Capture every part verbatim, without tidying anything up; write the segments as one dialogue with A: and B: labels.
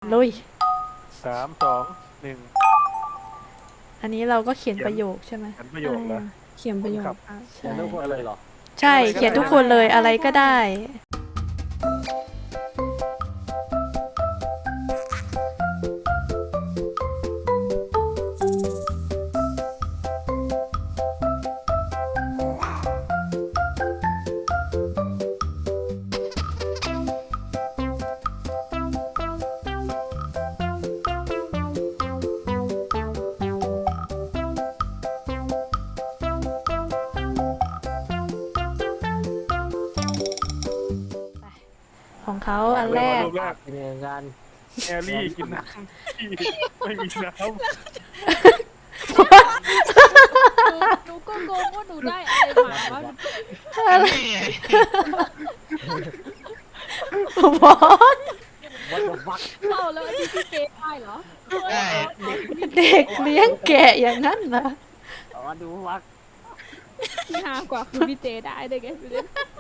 A: ลุย
B: สามสองหนึ่ง
A: อันนี้เราก็เขียนประโยคใช่ไหม
B: เขียนประโยคเหรอ
C: เขียนประโยค
B: ครับ
C: อ่ะ
D: เขีย
C: ใช่
D: นทุกคนเลยเหรอ
A: ใช่เขียนทุกคนเลยอะไรก็ได้ของเขาอันแรก
B: รูปแรก
D: เป็นงาน
B: แอรี่กินน้ำที่ไม่มีน้
E: หนูก็งงว่าหนูได้อะไรมาว่า
A: อะไรบอส
D: วัดวัก
E: เข้าแล้วอันนี้พี่เจ๊ได้เหรอ
A: เด็กเลี้ยงแกะอย่างนั้นเหรอ
D: อ๋อดูวัก
E: ที่ฮากว่าคือพี่เจ๊ได้ได้ไงพี่เจ๊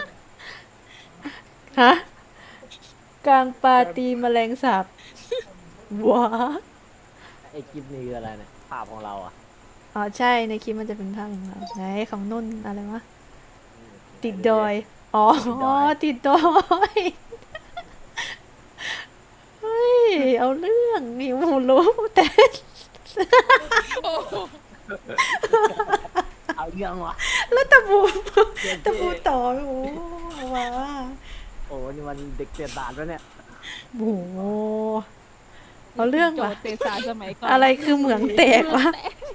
A: ฮะกลางปาร์ตีแมลงสาบว้า
D: ไอ้คลิปนี้คืออะไรเนี่ยภาพของเราอ่ะ
A: อ๋อใช่ในคลิปมันจะเป็นภาพของเราไหนของนุ่นอะไรวะติดดอยอ๋อติดดอยเฮ้ยเอาเรื่องนี่มูรู้แต่
D: เอาเรื่องวะ
A: แล้วตะบูตะบูต่อโอ้ว้า
D: โอ้นี่มันเด็กเสียดานแล้วเนี่ย
A: โอ้โหเอาเรื่อง
E: โจ
A: ว่ะ
E: ทย์เตสาสมัยก่อน
A: อะไรคือเหมืองแตกวะ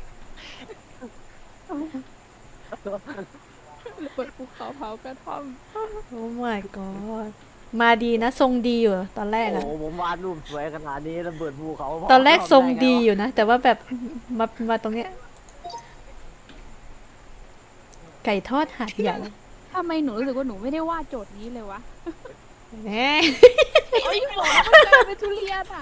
E: เปิดภูเขาเผากระท่อม
A: โอ้ my god มาดีนะทรงดีอยู่ตอนแรก
D: โอ้
A: อะ
D: โหผมวาดรูปสวยขนาดนี้ระเบิดภูเขา
A: ตอนแรกทรงดีอยู่นะ แต่ว่าแบบมามาตรงเนี้ยไก่ทอดหาดใหญ่
E: ทำไมหนูรู้สึกว่าหนูไม่ได้วาดโจทย์นี้เลยวะ
A: แหม
E: ไอ้หมอมันกลายเป็นทุเรียนอ่ะ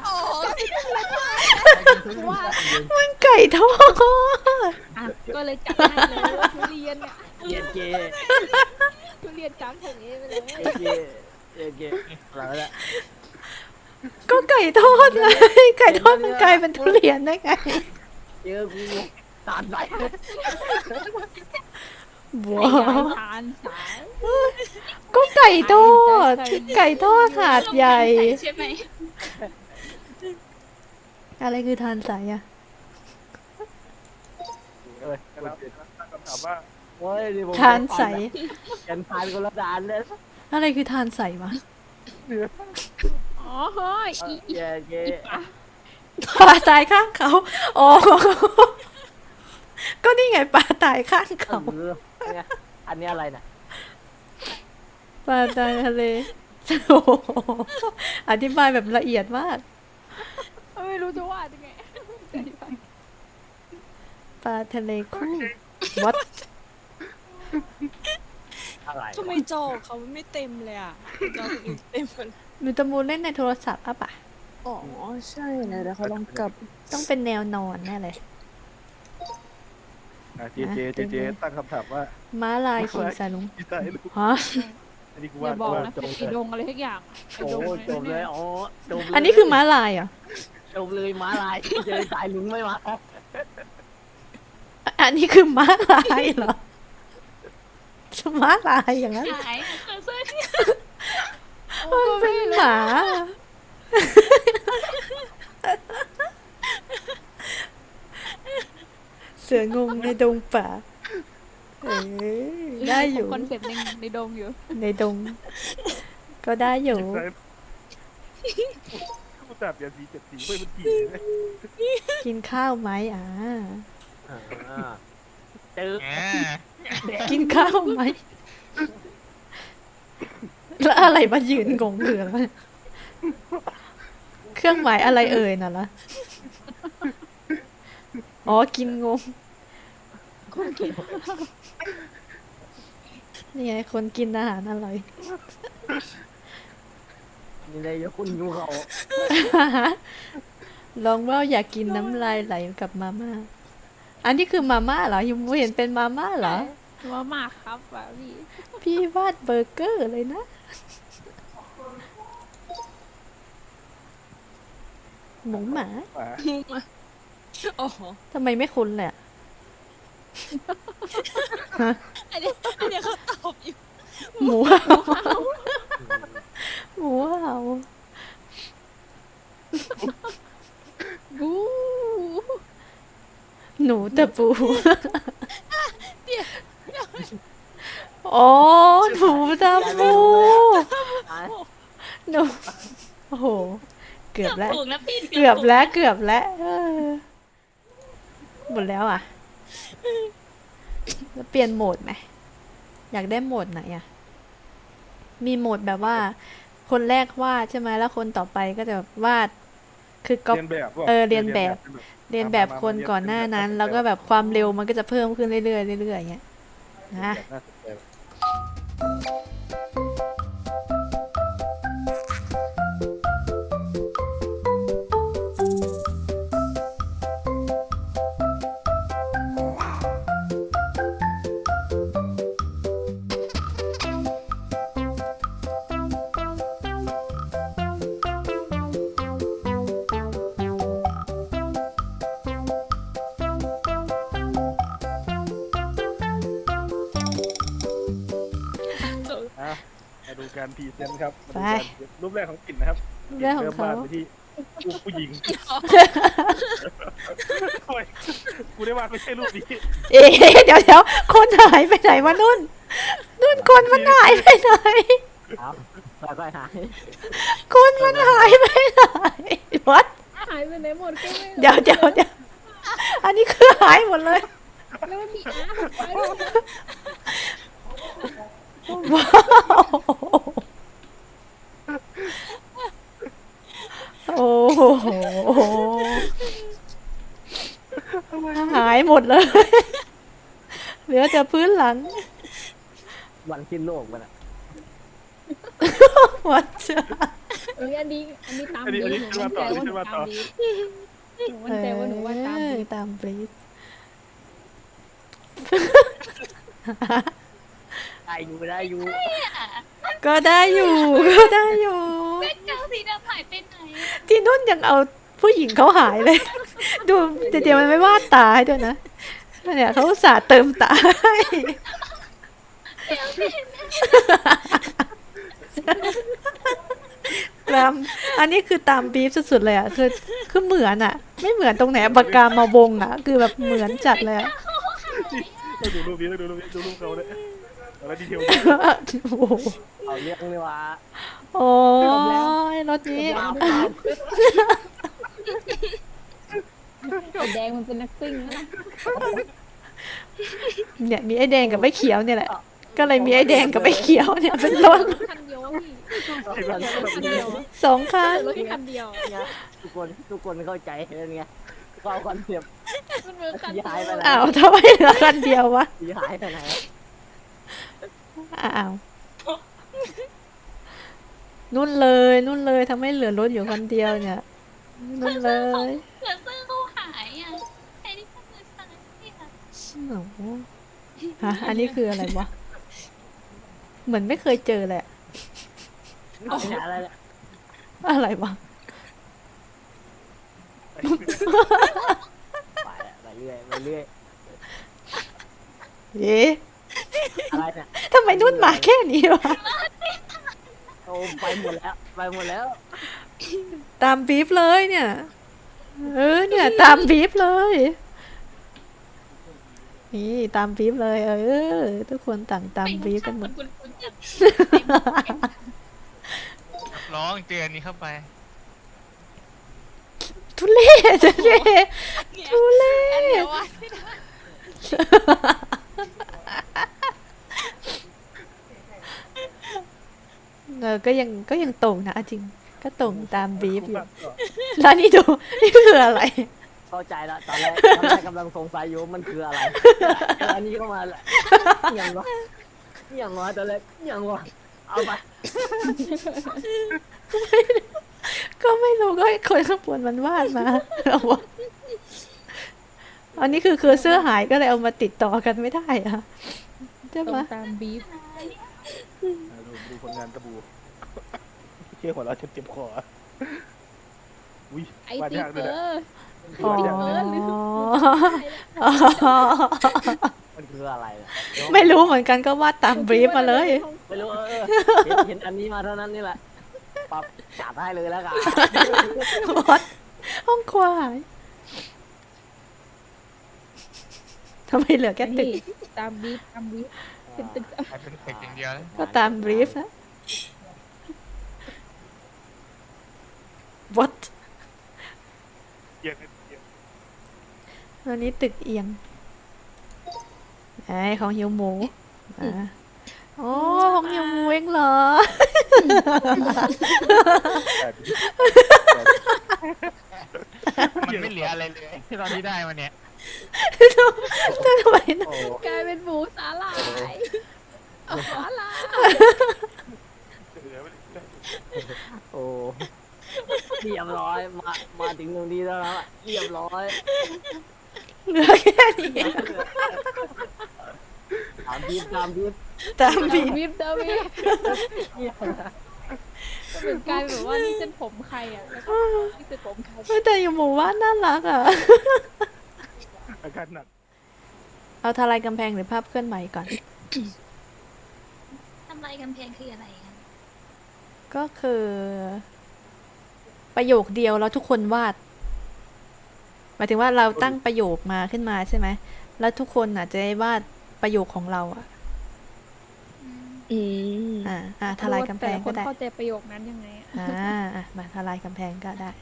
E: วาด
A: มันไก่ทอด
E: อ่ะก็เลยจับได้เลยว่าทุเรียนเนี่ย
D: เย็นเจ
E: ทุเรียนกลางทะเลไปเลย
D: เย็นเจเย็นเจอะไรวะเนี่ย
A: ก็ไก่ทอดไงไก่ทอดมันกลายเป็นทุเรียนได้ไง
D: เจอกูตาดไหล
A: บัว
E: ไอ้ยายทานสาย
A: ก็ไก่ทอดไก่ทอดหาดใหญ่
E: ใช่ไหม
A: อะไรคือทานใสอะ
D: เอ้ย
B: แล้วตั้งคำถามว่า
D: โอ้ยนี่ผม
A: ทานใส
D: กันทานคนละดานเลย
A: อะไรคือทานใสวะ
B: เนื้อ
E: อ๋อเฮ้ยอี
D: เย็นเจ
A: ปลาตายข้างเขาอ๋อก็นี่ไงปลาตายข้างเขา
D: เนี่ยอันนี้อะไรเนี่ย
A: ปลาตายทะเลโอ้โหอธิบายแบบละเอียดมาก
E: ไม่รู้จะวาดยังไง
A: ปลาทะเลคู่วัด
D: อะไร
C: ทำไมจอเขาไม่เต็มเลยอ่ะจอคนอื่นเต็มหมด
A: มิตามูลเล่นในโทรศัพท์อ่ะปะ
C: อ๋อใช่นะเดี๋ยวเขาลองกลับ
A: ต้องเป็นแนวนอนแน่เลย
B: อ่ะเจเจเจเจตั้งคำถามว่า
A: ม้าลายขี่สายลุง
B: พี่ตายลูก
A: ฮะ
B: อันนี้กู
E: อ
B: ว่า
E: ย่าบอก
B: ว่า
E: นะ
B: จ
E: เป็น
B: ง
E: ไอ้ดงอะไรทุกอย่างไอ้
D: โอ้
E: ดง
D: จบเลยอ๋อจบเลย
A: อันนี้คือม้าลายเหรอ
D: จบเลยม้าลายเจอสายลุงไม่มา
A: อันนี้คือม้าลายเหรอม้าลายอย่างนั้น
E: ไหนเสื้อที่
A: มันเป็นหมาเสืองงในดงป่าเอ้ยได้อยู่
E: คอนเซ็ปต์ในในดงอยู่
A: ในดง ก็ได้อยู่
B: กูจับยาสีเจ็ดสีไม่มันกี่เลย
A: กินข้าวไหมอ่า
D: เจอ
A: กินข้าวไหม แล้วอะไรมายืนงงเหลือแล้วเครื่องหมายอะไรเอ่ยน่ะล่ะอ๋อกินงงนี่ไงคนกินอาหารอร่อย
D: นี่เลยยคุณยูเขา
A: ลองว่าอยากกินน้ำลายไหลกับมาม่าอันนี้คือมาม่าเหรอยังไม่เห็นเป็นมาม่าเหรอ
E: ว่ามากครับแบบพี่
A: พี่วาดเบอร์เกอร์เลยนะหมูหมา
B: หมา
C: มุมอ่ะอ๋อ
A: ทำไมไม่คุ้นเลยอะฮะ
C: อันเนี้ยอันเนี้ยเขาตอบอยู่
A: หมูเห่าหมูเห่า
E: บู
A: หนูตะปู
C: เดี๋ยว
A: อ๋อหนูตะปู
D: อ่ะ
A: หนูโอ้โห เกือบแล้ว
E: ถูกนะพี่
A: เกือบแล้วเกือบแล้วเออหมดแล้วอ่ะแล้วเปลี่ยนโหมดไหมอยากได้โหมดไหนอ่ะ มีโหมดแบบว่า คนแรกวาดใช่ไหมแล้วคนต่อไปก็จะวาด คือก๊อป
B: เรียนแบบว่ะ
A: เออเรียนแบบ เรียนแบบคนก่อนหน้านั้น แล้วก็แบบความเร็วมันก็จะเพิ่มขึ้นเรื่อยๆเรื่อยๆอย่างเงี้ยนะ
B: น่าสนใจ อ่ะมาดูการพรีเซนต์ครับมาดูการรูปแรกของกลิ่นนะครับ
A: เรื่องของเขา
B: ริ่มวดไปที่รูปผู้หญิงโอ้ยกูได้วาดไม่ใช่รูปนี้
A: เอ๊ะเดี๋ยวเดี๋ยวคนหายไปไหนวะนุ่น นุ่นคนมันหายไปไหน
D: เอาค่อยๆหาย
A: คนมันหายไปไหนวัด
E: หายไปไหนหมดก็ไม่รู้
A: เดี๋ยวเดี๋ยวเดี๋ยวอันนี้คือหายหมดเลย
E: แล้วมันมีอาร์ตไป
A: ว้าวโอ้โหหายหมดเลย เหลือแต่พื้นหลัง
D: วันสิ้นโลกมันอ่ะ
A: วัดจะ
E: เอ้ยอันนี้อันนี้ตาม
B: อันนี้
E: ดี
B: อันนี้
E: หนู
B: ขึ้น
E: มั่
B: มาน ต่
E: ใจ
B: อ
E: ว่าห
B: ขึ้
E: นู
B: นมาต่อ
E: ตามดีหนูมั่นใจว่าหนูว่าตามดี
A: เออตามบรีฟ
D: ได้อยู่ได้อยู่
A: ก็ได้อยู่ ก็ได้อยู่
E: แบ็คกราวด์สีดำหายไปไหน
A: ที่นุ่นยังเอาผู้หญิงเขาหายเลย ดูเดี๋ยวมันไม่วาดตาให้ด้วยนะเนี่ยเขาอุตส่าห์เติมตาให้ ตามอันนี้คือตามบีฟสุดๆเลยอ่ะคือคือเหมือนอ่ะ ไม่เหมือนตรงไหนปากกามาวงอ่ะ คือแบบเหมือนจัดเลยอะ
B: ต้องดูรูปนี้ต้องดูรูปนี้ดูรูปเขาเลยแล้วดีเทล
A: โอ้โห
D: เอาเรื่องเลยว่า
A: โอ้ยรถนี้
E: ไอ้แดงมันเป็นนักซิ่งนะ
A: เนี่ยมีไอ้แดงกับไอ้เขียวเนี่ยแหละ ก็เลยมีไอ้แดงกับไอ้เขียวเนี่ยเป็นรถ
E: คันเดียวพี่
B: เห็นไหม
E: คันเดียว
A: สองคัน
C: รถแค่คันเดียว
D: เนี่ยทุกคนทุกคนเข้าใจแล้วไงก็เอาคอนเซ็ปต์
E: มันเหมือนคันเดี
D: ย้ายไป
E: ยว
D: แล้ว
A: อ้าวทำไมเหลือคันเดียววะ
D: สีหายไปไหน
A: อ้าวนุ่นเลยนุ่นเลยทำให้เหลือรถอยู่คันเดียวเนี่ยนุ่นเลย
E: เสือเสื้อเขาหายอ่ะไอ้นี่ก็คือสายที่ค่ะ
A: โอ้โหฮะอันนี้คืออะไรวะเหมือนไม่เคยเจอเลยอะ
D: เอาไปหาอะไรเนี่ย
A: อะไรวะ
D: ไปแล้วไปเรื่อยไปเรื่อย
A: เอ๊ะ
D: อะไรเนี่ย
A: ทำไมนุ่นมาแค่นี้วะ
D: โอ้ไปหมดแล้วไปหมดแล้ว
A: ตามบีฟเลยเนี่ย เออเนี่ยตามบีฟเลย นี่ตามบีฟเลย เออ ทุกคนต่างตามบีฟกันหมด
E: คุณคุณจะ
F: ร้องเตือนนี้เข้าไป
A: ทุเล่ทุเล่ทุเล่
C: อันเดียววะ
A: เออก็ยังก็ยังตรงนะเอาจริง ก็ตรงตามบีฟอยู่ แล้วนี่ดู นี่คืออะไร
D: เข้าใจแล้วตอนแรกตอนแรกกำลังสงสัยอยู่ว่ามันคืออะไรอันนี้เข้ามาแหละยังวะยังวะตอนแรกยังวะเอาไป
A: ก็ไม่รู้ก็ให้คนข้างบนมันวาดมาเอาวะอันนี้คือคือเสื้อหายก็เลยเอามาติดต่อกันไม่ได้อะใช่
E: ตร
A: ไหม
E: งตามบีฟ
B: ดูดูผลงานตะบูเชี่ยหัวเราะจนเจ็บคออุ้ย
E: ไอ
B: วาด
E: ติ
B: ยาก
E: เก
B: ด้วย
E: อ
B: นะ
E: ร์
A: อ๋อ
E: ติเกอร์หรือ
A: อ๋อ
D: มันคืออะไรเนี่ย
A: ไม่รู้เหมือนกันก็วาดตามบรีฟมาเลย
D: ไม่รู้เออเออเห็นเห็นอันนี้มาเท่านั้นนี่แหละปรับจัดให้เลยแล้วกัน
A: วัดห้องครัวหายทำไมเหลือแค่ตึก
E: นี่ตามบีฟตามบีฟเป็นตึก
F: กลายเป็นตึกอย่างเดียวแล้ว
A: ก็ตามบรีฟนะ what
B: เอียงเอียง
A: อันนี้ตึกเอียงไอ้ของหิวหมูอ่ะโอ้ของหิวหมูเองเหรอ
B: แต่
F: มันไม่เหลืออะไรเลยที่เราที่ได้มาเนี่ย
A: ทำไมนะ
B: โอ้
E: กลายเป็นหมูสาหร่ายสาหร่าย
B: เหลือไม่ได้
D: โอ้เรียบร้อยมามาถึงตรงนี้แล้วนะเรียบร้อย
A: เหลือแค่นี้
D: ตามบีบตามบีบ
A: ตามบรีฟ
E: บีฟเดอร์บีฟ
D: เงียบนะ
E: เหมือนกลายเป็นแบบว่านี่เส้นผมใครอ่ะแล้วก็นี่เส้นผมใคร
A: เฮ้ยแต่อยู่หมู่บ้านน่ารักอ่ะ
B: อาการหนัก
A: เอาทลายกำแพงหรือภาพเคลื่อนไหวก่อน
G: ทำลายกำแพงคืออะไรคะ
A: ก็คือ ประโยคเดียวแล้วทุกคนวาดหมายถึงว่าเราตั้งประโยคมาขึ้นมาใช่ไหมแล้วทุกคนอ่ะจะได้วาดประโยคของเราอ่ะ
E: อืม
A: อ่าอ่าทลายกำแพง
E: ต่ละค
A: ก็
E: น
A: ได้
E: เข้าใจประโยคนั้นยังไงอะ
A: อ่าอ่ะมาทลายกำแพงก็ได้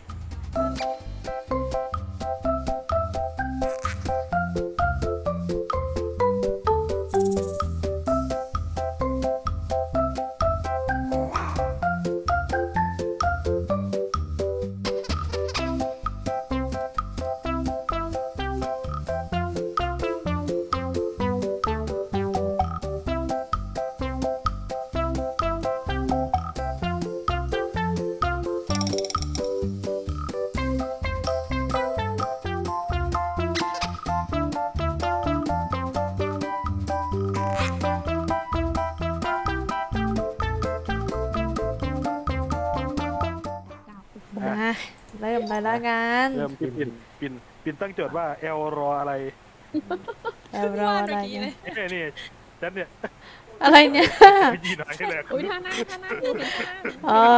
A: มาเริ่มเลยละกัน
B: เริ่มที่ปินปินปินตั้งโจทย์ว่าเอลรออะไร
A: แล้วรออะไรเนี่ย
B: นี่นี่ฉันเนี่ย
A: อะไรเนี่ย
B: ไปยีหน่อยให้เลย
E: อุ้ยท่านั่งท่านั่งดูเห็นท่านั่ง
A: อ๋อ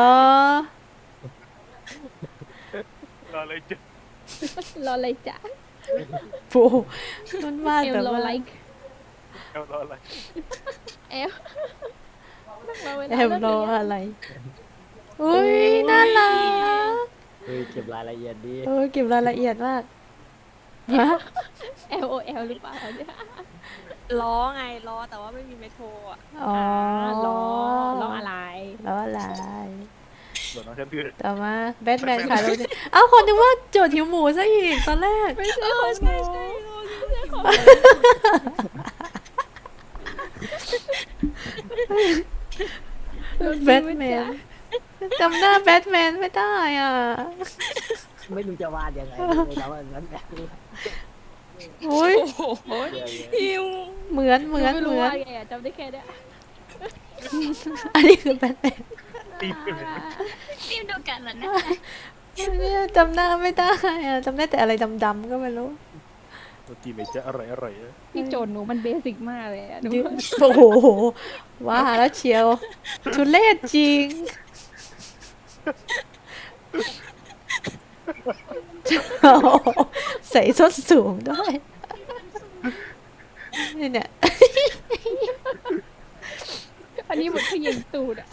B: รอเลยจ้ะ
E: รออะไรจ๊ะ
A: ปูมันวาด
E: เอล
A: แบบ
E: รอ
A: ว่า
E: ไลค์
B: เอลรออะไร
E: เอลนั่งรอเวลา
A: แอม
E: เลิก
A: รอ
E: เรียน
A: อะไร อุ้ยน่ารัก
D: เฮ้ยเก็บรายละเอียดดี
A: เออเก็บรายละเอียดมากฮะ
E: เอลโอเอลหรือเปล่าเนี่ย
C: ล้อไงล้อแต่ว่าไม่มีเมโทรอ่ะ
A: อ๋อ
E: ล้อล้ออะไร
A: ล้ออะไร
B: ส่วนน้องฉันคือ
A: ต่อมาแบทแมนขายรถเอ้าคนนึกว่าโจทย์หิวหมูซะอีกตอนแรก
E: ไม่ใช่ของหนูไม่ใช่ของหนู
A: แบทแมนจำหน้าแบทแมนไม่ได้อ่ะ
D: ไม่รู้จะวาดยังไงเลยแต่ว่านั้นแบบ
A: อุ้ย
C: โอ้โห
D: เดี๋ยวๆ
C: หิว
A: เหมือนเหมือน
E: ไม่
A: เห
E: รู้
A: มือน
E: ว่าไงอะจำได้แค่เนี้ย
A: อันนี้คือแบทแมน
B: ตีไปเลย
G: ฟิล์มดูกันเหรอนะ
A: เนี่ยจำหน้าไม่ได้อ่ะจำได้แต่อะไรดำๆก็ไม่รู้
B: ตัวจีไม่จะอร่อยอร่อย
E: พี่โจทย์หนูมันเบสิกมากเลยอะหนู
A: ยืนโอ้โหว่าแล้วเชียวทุเรศจริงโอ้โหใส่ส้นสูงด้วยนี่เนี่ย
E: อันนี้เหมือนขยิงตูดอะ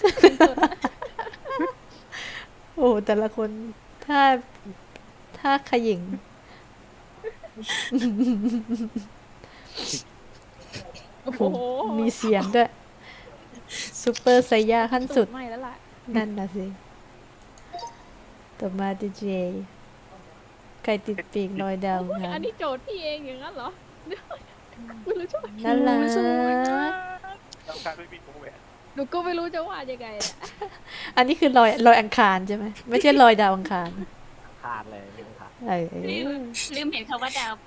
A: โอ้โหแต่ละคนถ้าถ้าขยิง
E: โอ้โห
A: มีเสียงด้วยซูเปอร์ไซย่าขั้นสุด
E: ไม่แล้วล่ะ
A: นั่นนะสิต่อมาดีเจไก่ติดปีกลอยดาวครั
E: อั
A: บ
E: นนี้โจทย์พี่เองอย่างนั้นเหรอไม่รู้จะ
A: น่ารัก
B: ต้องการไม่มีวงแหวน
E: หนูก็ไม่รู้จะวาดยังไงอะ
A: อันนี้คือลอยลอยอังคารใช่ไหมไม่ใช่ลอยดาวอังคาร
D: ขาดเลยไม่ขาด
A: เออ
G: ลืมลืมเห็นคำว่าดาวไป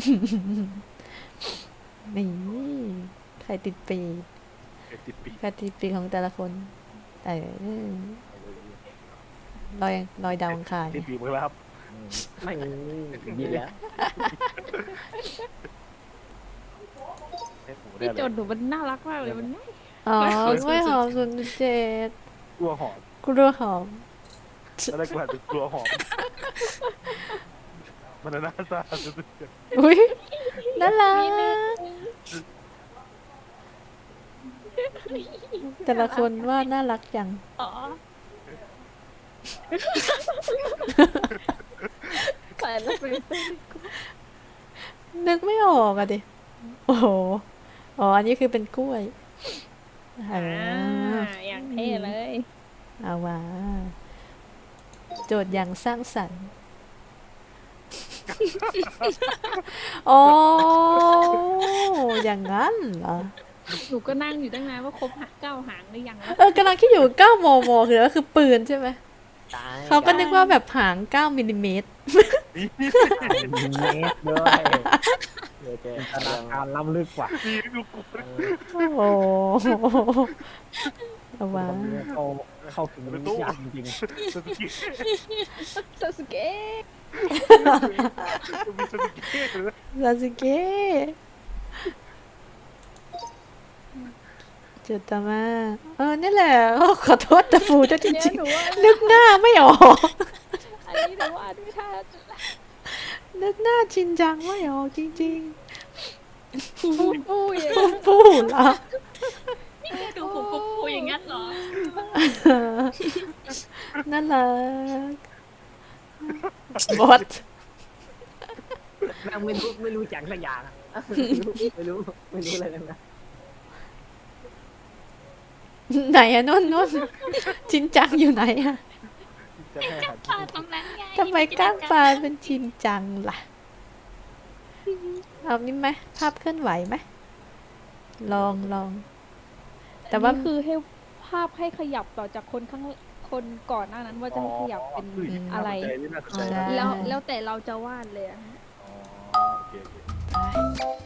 A: นี่ไข่ติดปีก
B: ติดปีก
A: ไข่ติดปีกของแต่ละคนเออลอยลอยดาวอังคาร
B: รีบบีบมือแล้วครับ
D: อืมไม่ดีแล้ว
B: เอ๊ะหมูได้
E: พี่
B: เลย
E: โจทย์หนูมันน่ารักมากเลยมันง่าย
A: อ๋อกล้วยหอมศูนย์เจ็ด
B: กลัวหอม
A: กล้วยหอม
B: แล้วได้กูหันไปกลัวหอมมันน่าตาสุด
A: อุ้ยน่ารักแต่ละคนว่าน่ารักจัง
G: อ๋อ
E: แต่ละเป็น
A: นึกไม่ออกอะดิ โอ้โห อ๋อ อันนี้คือเป็นกล้วยอ่า
E: อย่างเท่เลย
A: เอาว่าโจทย์อย่างสร้างสรรค์ อ๋อ อย่างนั้นเหรอ
E: หนูก็นั่งอยู่ตั้งนานว่าครบหักเก้าหางหรือยังแล้ว
A: เออกำลังคิดอยู่เก้ามมคืออะไรก็คือปืนใช่ไหม
D: ตาย
A: เขาก็นึกว่าแบบหางเก้ามิลลิเมตร
D: เมตรด้วยโอเค
H: ธนาคารล้ำลึกกว่า
B: ๆนี่ดูกู
A: โอ้โหเอาว่า
H: เขาเข้าถึงยากจริง
B: สกิ
E: ซาสึเกะ
B: มีสกิเลย
A: ซาสึเกะจุดต่อมา เออ นี่แหละโอ้ขอโทษตะฟูด้วยจ
E: เนี่ย
A: ริง
E: หนูว่า
A: ๆ นึกหน้าไม่ออก
E: อันนี้หนูว่าไม่ทัน
A: นึกหน้าชินจังไม่ออกจริง
E: อุ้ย
A: ๆปูปูเหรอ
G: นี่แกดูผมปุ๊บปูอย่างงั้นเหรอ
A: น่ารักบอส
D: นั่งไม่รู้ไม่รู้จักสักอย่างอะไม่รู้ไม่รู้อะไรเลยนะ
A: ไหนอะนุ่นนุ่นชินจังอยู่ไหนอะ
B: จะให้อาหาร
G: ปลาตรงนั้นไง
A: ทำไมก้างปลาเป็นชินจังล่ะ เอานี่ไหมภาพเคลื่อนไหวไหมลองลอง แต่ว่า
E: อันนี้คือให้ภาพให้ขยับต่อจากคนข้างคนก่อนหน้านั้นว่าจะให้ขยับเป็นอะไร
B: น่าสนใจ
A: ใช่
E: แล้วแล้วแต่เราจะวาดเลยอะ
B: อ๋อโอเคโอเค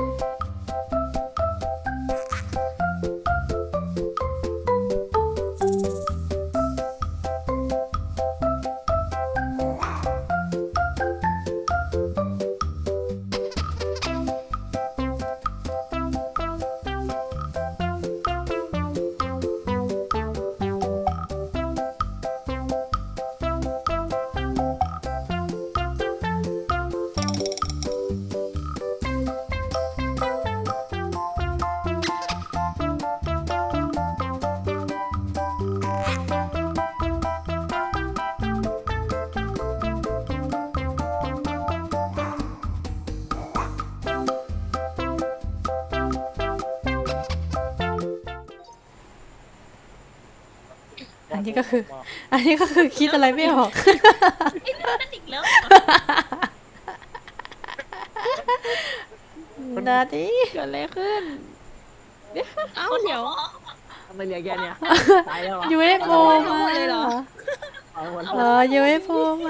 A: อันนี้ก็คือ อันนี้ก็คือคิดอะไรไม่ออก
G: ไอ้เรื่องนั้นอีกแล้ว
A: นาดี
E: เกิดอะไรขึ้น
G: เอ้าเดี๋ยว
D: ทำไมเหลือแกเนี่ยตายแล้วเหรอ
A: ยูเอฟโอมา
E: เลยเหรอ
D: ตายหมด
A: เอ
D: แล้ว
A: อยูเอฟโอมา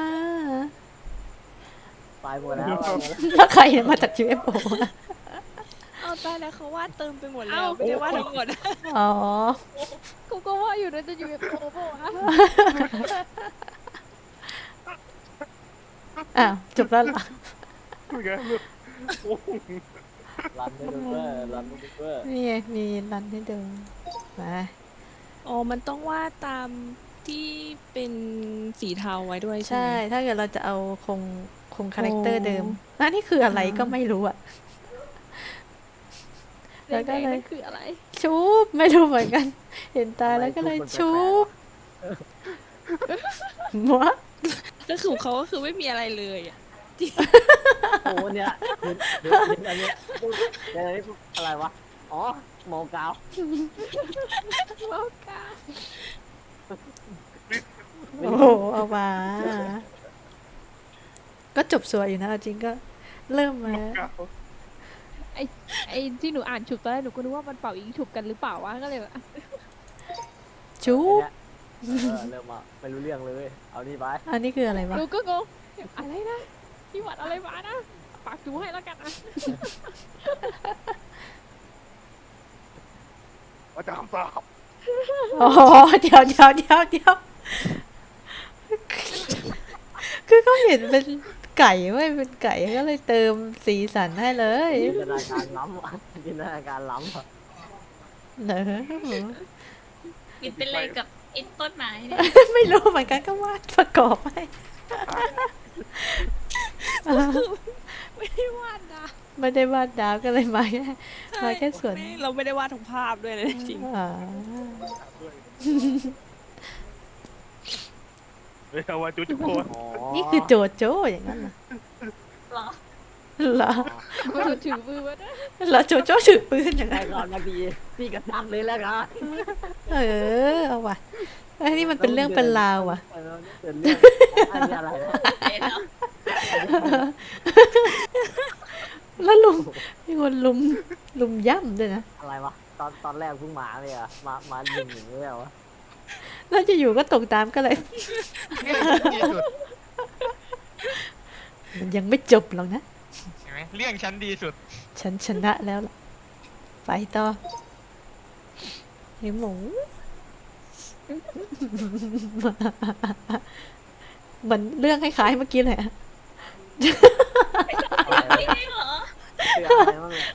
D: ตายหมดแล้ว
A: แล้วใครมาจากยูเอฟโอ
C: เอาตายแล้วเขาวาดเติมไปหมดแล้วไม่ได้วาดทั้งหมด
A: อ๋อ
E: กูก็ว่าอยู่นะจะอยู่กับโอปะวะ
A: อ้าวจบแล้วเหรอ
B: คุยกันลูกโอ้โห
D: รันไม่ดูเวอร์รันไม่ดูเวอร์
A: นี่ไงมีรันให้ดูมา
C: อ๋อมันต้องวาดตามที่เป็นสีเทาไว้ด้วยใช่
A: ใช่
C: ไหม
A: ถ้าเกิดเราจะเอาคงคงคาแรคเตอร์
C: โอ้
A: เดิมนั่นนี่คืออะไรก็ไม่รู้อะ แล้วก็
E: แดงๆ
A: เลย
E: นั่นคืออะไร
A: ชุบไม่รู้เหมือนกัน เห็นตาแล้วก็เลยชุบมัว
C: ก็คือเขาก็คือไม่มีอะไรเลยอ่ะ
D: โอ้เนี่ยเดี๋ยวเดี๋ยวอันเนี้ยเดี๋ยวอันนี้อะไรวะอ๋อโมกาว
E: โลกา
A: โอ้โหเอามาก็จบสวยอยู่นะเอาจริงก็เริ่มมา
E: ไอ้ที่หนูอ่านฉุบตอนแรกหนูก็นึกว่ามันเป่ายิงฉุบกันหรือเปล่าวะก็เลยแบบ
A: ชุบ
D: เออเริ่มมาไม่รู้เรื่องเลย เอานี่ไป
A: อันนี้คืออะไรวะ
E: หนูก็งงอะไรนะพี่หวัดอะไรมานะปากจูให้แล้วกันนะ
B: อาจารย์คำตอบ
A: อ๋อเดี๋ยวเดี๋ยวเดี๋ยวเดี๋ยวคือเขาเห็นเป็นไก่เว้ยเป็นไก่ก็เลยเติมสีสันให้เลย
D: จินตนาการล้ำอะจินตนาการล้ำอะ
A: เนอะ
G: ปิดเป็นเลยกับไอ้ต้นไม้เนี่ย
A: ไม่รู้เหมือนกันก็วาดประกอบให้
C: ไม่ได้วาดนะ
A: ไม่ได้วาดดาวก็เลยมาแค่มาแค่ส่วน
C: ไม่เราไม่ได้วาดทั้งภาพด้วยเลยจริง
A: อ่า
B: ด้วยเฮ้ยเอาว่าจุ๊จุ๊โคน
D: อ๋อ
A: นี่คือโจโจ้อย่างนั้นเหรอ
G: เหรอ
A: เหรอ
E: ถือถือมือมาด้วย
A: เหรอโจโจ้ถือปืนอย่าง
D: แต่
A: นั้น
D: ก่อนบางทีพี่กระตักเลยแล้วกัน
A: เออเอาว่ะไอ้นี่มันเป็นเรื่องเป็นราวว่ะ
D: เออเป็นเรื่องอันนี้อะไรนะ
G: เดี๋ยว
A: แล้วลุมมีคนลุมลุมย่ำด้วยนะ
D: อะไรวะตอนตอนแรกเพิ่งมาเลยอะมามาหนึ่งอย่างนี้เหรอวะ
A: แล้วจะอยู่ก็ตกตามก็เลย
F: ที่สุด
A: มันยังไม่จบหรอกนะ
F: เห็นไหมเรื่องชั้นดีสุด
A: ฉันชนะแล้วล่ะไปต่อไอหมู เหมือนเรื่องคล้ายๆเมื่อกี้เลยอะ
G: ไม่ได้เหรอ
D: คืออะไรบ้างเนี่ย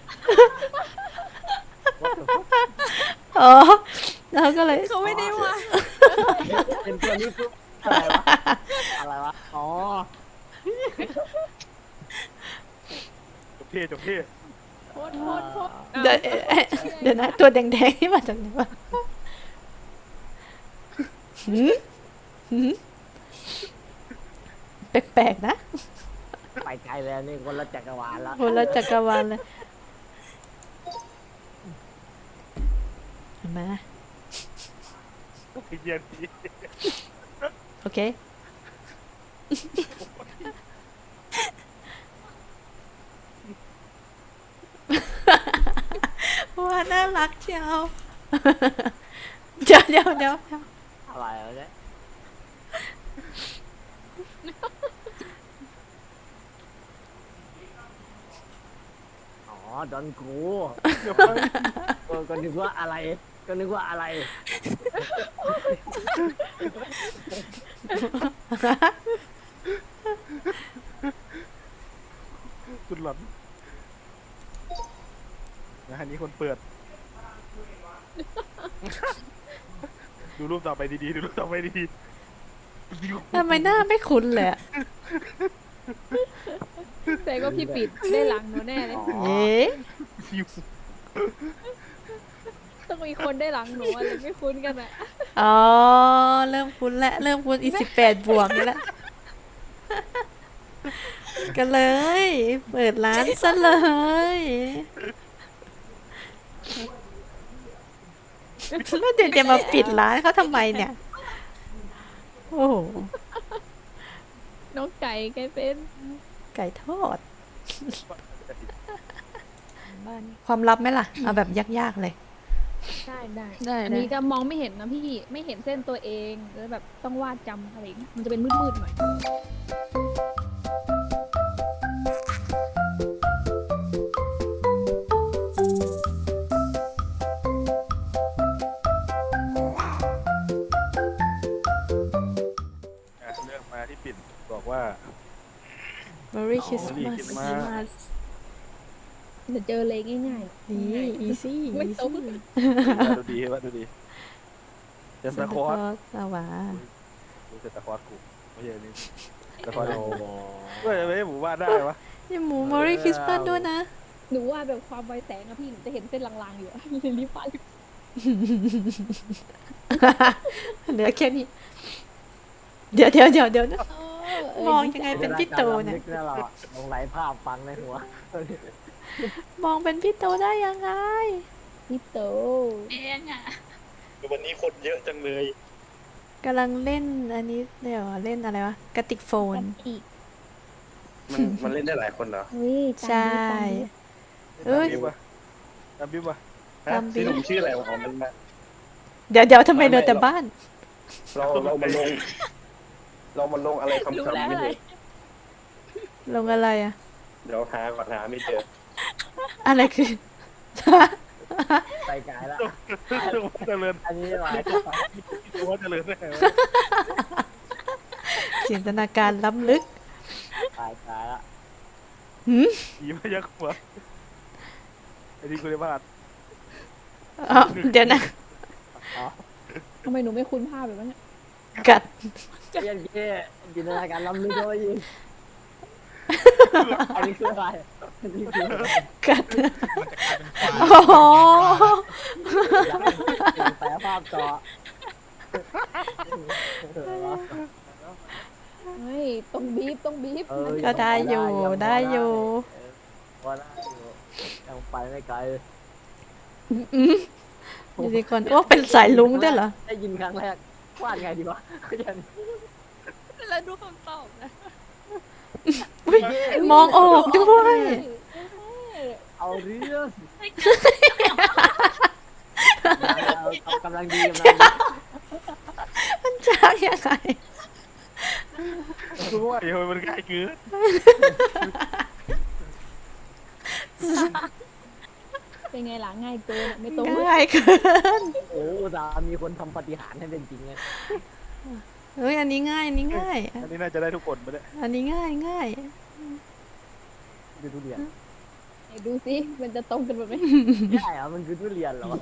D: What the fuck?
A: อ๋อแล้วก็เลย
C: ๆเขาไม่ได้วาด
D: เป็นตัวนี้ปุ๊บอะไรวะอะไรวะอ๋อ
B: จบเท่จบเท่
E: โพสต์โพสต์โพสต์
A: เดี๋ยวเอ๊ะเดี๋ยวนะตัวแดงๆนี่มาจากไหนวะหืมหืมแปลกๆนะ
D: ไปไกลแล้วนี่คนละจักรวาลแล้ว
A: คนละจักรวาลเลยมา
B: ไอ้เหี้ยนี่
A: โอเค ว่าน่ารักเชียว เดี๋ยวเดี๋ยวเดี๋ยวเดี๋ยว
D: อะไรวะเนี่ยอ๋อดอนกู
B: เดี๋ยว
D: เออก็นึกว่าอะไร ก็นึกว่าอะไร
B: สุดหลอนนะฮะนี้คนเปิด ดูรูปต่อไปดีๆดูรูปต่อไปดีๆ
A: ทำไมหน้าไม่คุ้นเลยอะ
E: แต่ก็พี่ปิดได้หลังหนูแน่เลย
D: อ๋อ
A: เอ๊ะ
B: ซิว
E: ต้องมีคนได้หลังหนูอะไรไม่คุ้นกันอะ
A: อ๋อ เริ่มคุ้นแล้วเริ่มคุ้นอีสิบแปดบวกนี่แหละกันเลย เปิดร้านซะเลยแล้วเดี๋ยวจะมาปิดร้านเขาทำไมเนี่ย โอ้โห
E: น้องไก่ไก่เป็น
A: ไก่ทอด ความลับไหมล่ะ เอาแบบยากๆเลย
E: ได้ได้
C: ได้
E: อันนี้จะมองไม่เห็นนะพี่ไม่เห็นเส้นตัวเองแล้วแบบต้องวาดจำอะไรอย่างเงี้ยมันจะเป็นมืดๆหน่อย
B: อ่ะเรื่องมาที่ปิ่นบอกว่า
A: Merry
B: Merry
A: Christmas
B: Christmas
E: เดี๋ยวเจอเลยง่าย
A: นี่ easy
E: ไม่ตรง
A: easy
B: ดูดีว่าดูดีเซนตาคลอส
A: เอาวะ
B: ดูเซนตาคลอสกูไม่ใช่อันนี่เซนตาคลอส
D: โอ้โห
B: เฮ้ยไม่ให้หมูวาดได้วะ
A: นี่หมู Merry Christmas ด้วยนะ
E: ๆหนูว่าแบบความไวแสงอะพี่หนูจะเห็นเส้นลางๆอยู่อะเลยรีบวาด
A: เหลือแค่นี้ เดี๋ยวเดี๋ยวเดี๋ยวเดี๋ยวนะ
E: เออเออ
A: มองยังไงเป็นพี่โตเนี่ย
D: จิตาการล้ำลึกเราอะลงไหลภาพฟังในหัว
A: มองเป็นพี่โตได้ยังไง
E: พี่โต
G: เองอ่ะ
B: วันนี้คนเยอะจังเลย
A: กำลังเล่นอันนี้เดี๋ยวเล่นอะไรวะกระติกโฟน
E: อีก
B: มันมันเล่นได้หลายคนเหรอ
E: เฮ้ย
A: ใช่ เอ้ย
B: บิ๊บวะตามบิ๊บวะ
A: ตามบิ๊บ
B: ที่ผมชื่ออะไรวะอ๋อมันมา
A: เดี๋ยวเดี๋ยวทำไมเหลือแต่บ้าน
I: เราเรามาลง เรามาลงอะไรคำ
C: รู้
I: คำ
C: แล้ว
I: นี่
C: อะไร
I: เลย
A: ลงอะไรอะ
I: เดี๋ยวหาก่อนหาไม่เจอ
A: อะไรคือ
D: ไปไกลแล้ว
B: ตัวเจริญ
D: อันนี้อะไร
B: ตัวเจริญได้ไงวะ
A: จินตนาการล้ำลึก
D: ตายตายละ
A: หืม
B: ผีพยักหัวไอ้นี่กูได้วาด
A: อ๋อเดี๋ยวนะ
D: อ๋อ
E: ทำไมหนูไม่คุ้นภาพแบบนั้นเนี่ย
A: กัด
D: เพี้ยนเก้จินตนาการล้ำลึกเข้าไปยิงอันนี้คืออะไรอันนี้คืออะไร
A: กัด
F: มันจะกลายเป็นควาย
A: อ๋อ
D: อยากให้แปลภาพต่อ
E: เฮ้ยต้องบีบต้องบีบ
D: เออ
A: ก็ได้อยู่ได้อยู่
D: พอได้อยู่ยังไปไม่ไกล
A: อืมยูนิคอร์นโอ้เป็นสายลุงด้วยเหรอ
D: ได้ยินครั้งแรกวาดไงดีวะยัน
C: แล้วดูคำตอบนะ
A: อุ๊ยมองออกด้วย
D: เอาเรื่อง
G: เฮ้ย
D: เอากำลังดีกำลังดี
A: มันจากยังไง
B: กูว่าเดี๋ยวมันง่ายเกิน
E: เป็นไงล่ะง่ายเกินอะไม่ต้อง
A: ง่ายเกิน
D: โอ้ตามีคนทำปฏิหารย์ให้เป็นจริงไง
A: เฮ้ยอันนี้ง่ายอันนี้ง่าย
B: อันนี้น่าจะได้ทุกคนไปเลย
A: อันนี้ง่ายง่าย
D: ดูทุเรียน
E: ไหนดูสิมันจะตรงกันแบบไหม
D: ใช่เหรอมันคือทุเรียนเหรอวะ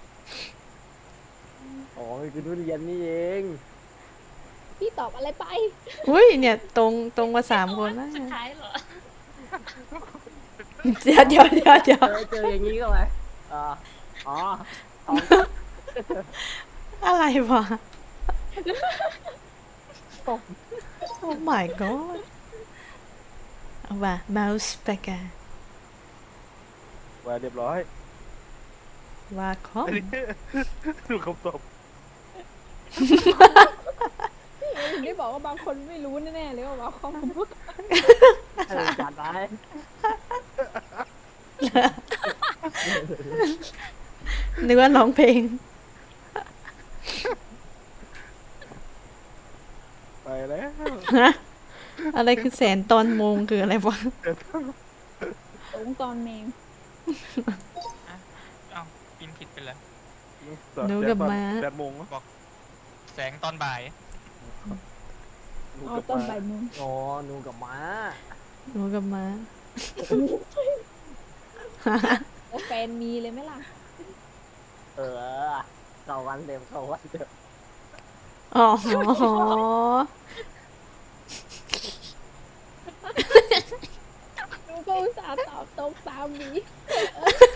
D: อ๋อมันคือทุเรียนนี่เอง
E: พี่ตอบอะไรไป
A: อุ้ยเนี่ยตรงตรงมาสามคนแล้ว
G: สุดท้ายเหรอ
A: เดี๋ยวเดี๋ยวเดี๋ยวเดี๋ยว
D: เจอเจออย่างนี้ก็ไหมอ่าอ๋ออ๋อ
A: อะไรวะ โอ้ my god เอาว่ะ mouse packer
B: ว่าเรียบร้อย
A: ว่าคอม
B: อันนี้ดูคำตอบ
E: ถึงได้บอกว่าบางคนไม่รู้แน่ๆเลยว่าว่าข้อมูล
D: เออจัดไป
A: นึกว่าร้องเพลง
B: ไปแล้ว
A: ฮะ อะไรคือแสนตอนโมงคืออะไรวะ
E: ตรงตอนแมง
F: เอ้ากินผิดไปแล้ว
A: หนูกับม้า
B: แปดโมง
F: แสงตอนบ่าย
B: หนู
E: เอา
B: กับ
E: ตอน
B: ม้า
E: บ่ายโมง
D: อ๋อหนูกับม้า
A: หนูกับม้า
E: แล้วแฟนมีเลยไหมล่ะ
D: เออเข้าวันเต็มเข้าวันเต็ม
A: อ๋อ
E: หนูก็อุตส่าห์ตอบตรงตามนี้